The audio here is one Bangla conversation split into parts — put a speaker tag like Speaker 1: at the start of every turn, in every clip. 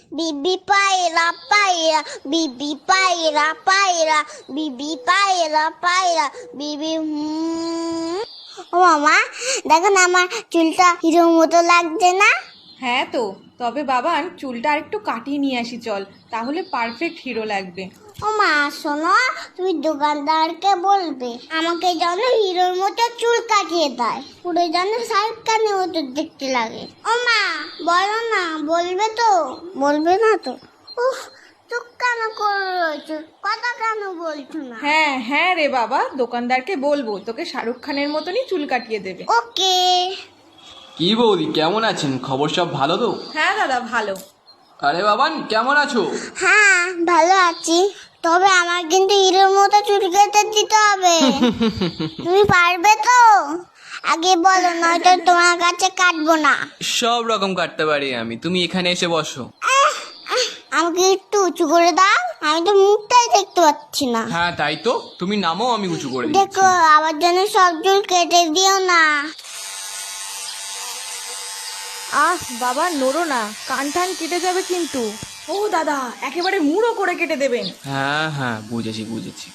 Speaker 1: বিবি পায়রা পায়রা, বিবি পায়রা পায়রা, বিবি পায়রা পায়রা, বিবি ও মামা, দেখো না আমার চুলটা হিরোর মতো লাগছে না?
Speaker 2: হ্যাঁ তো, তবে বাবান চুলটা আরেকটু কাটিয়ে নিয়ে আসি চল, তাহলে পারফেক্ট হিরো লাগবে।
Speaker 1: ও মা শোনো, তুমি দোকানদারকে বলবে আমাকে যেন হিরোর মতো চুল কাটিয়ে দেয়, পুরো যেন শাহরুখ খানের মতো দেখতে লাগে। ও মা বলো না, বলবে তো? বলবে না তো? উফ, চুপ কেন করে রয়েছো, কথা কেন বলছো না?
Speaker 2: হ্যাঁ হ্যাঁ রে বাবা, দোকানদারকে বলবো তোকে শাহরুখ খানের মতনই চুল কাটিয়ে দেবে।
Speaker 1: ওকে।
Speaker 3: কি বৌদি, কেমন আছেন? খবর সব ভালো তো?
Speaker 2: হ্যাঁ দাদা ভালো।
Speaker 3: আরে বাবান, কেমন আছো?
Speaker 1: হ্যাঁ ভালো আছি, তবে আমার কিন্তু হিরোর মতো চুল কেটে দিতে হবে। তুমি পারবে তো? আগে বলো, নয়তো তোমার কাছে কাটবো না।
Speaker 3: সব রকম কাটতে পারি আমি, তুমি এখানে এসে বসো।
Speaker 1: আমাকে একটু উঁচু করে দাও, আমি তো মুখটাই দেখতে পাচ্ছি না।
Speaker 3: হ্যাঁ তাই তো, তুমি নামও, আমি উঁচু করে দিচ্ছি।
Speaker 1: দেখো আমার জন্য সব চুল কেটে দিও না।
Speaker 2: আহ বাবা নড়ো না, কান টান কেটে যাবে কিন্তু। ও দাদা, একেবারে মুড়ো করে কেটে দেবেন।
Speaker 3: হ্যাঁ হ্যাঁ, বুঝেছি বুঝেছি।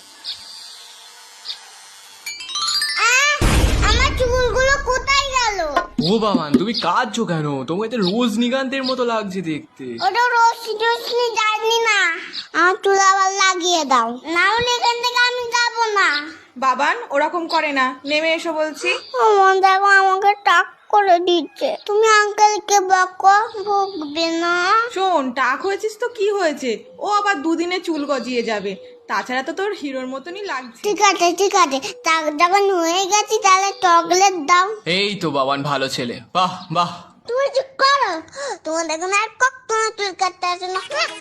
Speaker 1: আমার চুলগুলো কোথায় গেল?
Speaker 3: ও বাবান, তুমি কাঁদছো কেন? তোমাকে তো রজনীকান্তের মতো লাগছে দেখতে।
Speaker 1: ওটা রশ্মি যায়নি না, আমার চুল আবার লাগিয়ে দাও, না হলে এখান থেকে আমি যাবো না।
Speaker 2: বাবান ওরকম করে না, নেমে এসো বলছি।
Speaker 1: আমার দেখো আমাকে টাক করে দিচ্ছে, তুমি আঙ্কেলকে বকো, বকবে না।
Speaker 2: শোন, টাক হয়েছিস তো কি হয়েছে, ও আবার দুদিনে চুল গজিয়ে যাবে, তাছাড়া তো তোর হিরোর মতনই লাগছে।
Speaker 1: ঠিক আছে ঠিক আছে, টাক যখন হয়ে গেছি তাহলে চকলেট দাও।
Speaker 3: এই তো বাবান, ভালো ছেলে, বাহ বাহ।
Speaker 1: তুমি চুপ করো, তোমার দেখো না আর কখনো চুল কাটতে আসে না।